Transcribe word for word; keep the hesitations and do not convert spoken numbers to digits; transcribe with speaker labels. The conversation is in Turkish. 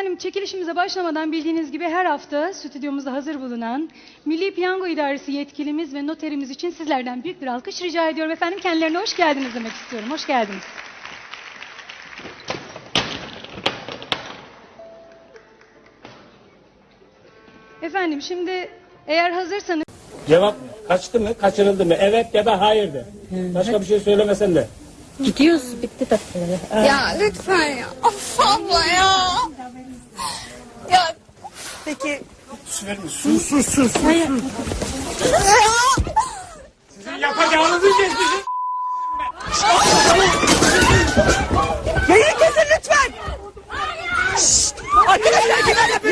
Speaker 1: Efendim çekilişimize başlamadan bildiğiniz gibi her hafta stüdyomuzda hazır bulunan Milli Piyango İdaresi yetkilimiz ve noterimiz için sizlerden büyük bir alkış rica ediyorum. Efendim kendilerine hoş geldiniz demek istiyorum. Hoş geldiniz. Efendim şimdi eğer hazırsanız...
Speaker 2: Cevap kaçtı mı, kaçırıldı mı? Evet ya da hayır de. Başka bir şey söylemesen de.
Speaker 3: Gidiyoruz, bitti tabii.
Speaker 4: Ya lütfen ya. Of abla ya. Ya.
Speaker 3: Peki.
Speaker 2: Su verme, su, su, su, su. su. Sizin yapacağınızı geçmişim.
Speaker 3: Yayını kesin lütfen. Şşt! Arkadaşlar kimler yapıyor?